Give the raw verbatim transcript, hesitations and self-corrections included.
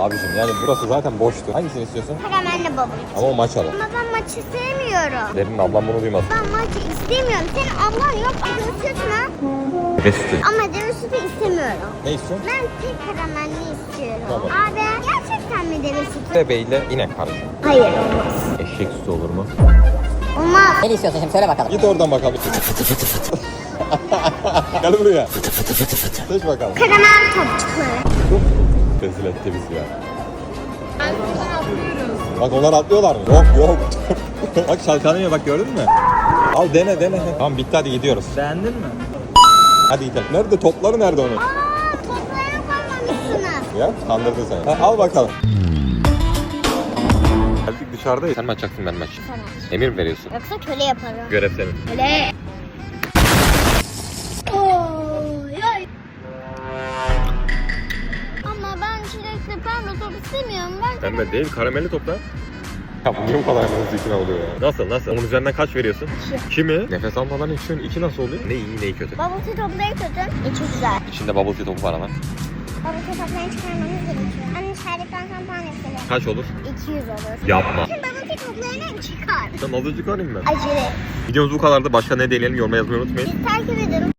Abicim yani burası zaten boştu. Hangisini istiyorsun? Karamelli bubble. Ama o maçalı. Ama ben maçı sevmiyorum. Derin ablam bunu duymaz. Ben maçı istemiyorum. Senin ablan yok. Deve süt mü? Deve sütü. Ama deve sütü istemiyorum. Ne istiyorsun? Ben tek karamelli istiyorum. Tamam. Abi gerçekten mi deve sütü? Bebeğiyle inek karışım. Hayır olmaz. Eşek sütü olur mu? Olmaz. Ne istiyorsun şimdi söyle bakalım. Git oradan bakalım. Gel buraya. Seç bakalım. Karamel topçukları. Rezil etti bizi ya. Bak onlar atlıyorlar mı? Yok yok. Bak çalkalanıyor bak gördün mü? Al dene dene. Tamam bitti hadi gidiyoruz. Beğendin mi? Hadi gidelim. Nerede topları nerede onun? Aa, toplarını koymamışsınız. Ya kandırdı seni. Ha, al bakalım. Geldik dışarıdayız. Sen mi açacaksın ben mi açayım? Tamam. Emir mi veriyorsun? Yoksa köle yaparım. Görev senin. Köle. Oy, oy. Ama ben çilekli pembe top istemiyorum. Ben Pembe değil karamelli toplar. Ya bu niye bu kadar hızlı ikna oluyor ya? Nasıl nasıl? Onun üzerinden kaç veriyorsun? İki. İki mi? Nefes almadan içiyorsun. İki nasıl oluyor? Ne iyi ne kötü. bubble tea topları kötü. İçi güzel. İçinde bubble tea topu var ama. Bubble tea toplarını çıkarmamız gerekiyor. Anne şerbetlen kampanyasıyla. Kaç olur? iki yüz olur. Yapma. Şimdi bubble tea toplarını çıkar. Tamam azıcık çıkarayım ben. Acele. Videomuz bu kadardı. Başka ne deneyelim yoruma yazmayı unutmayın. Bizi takip edin.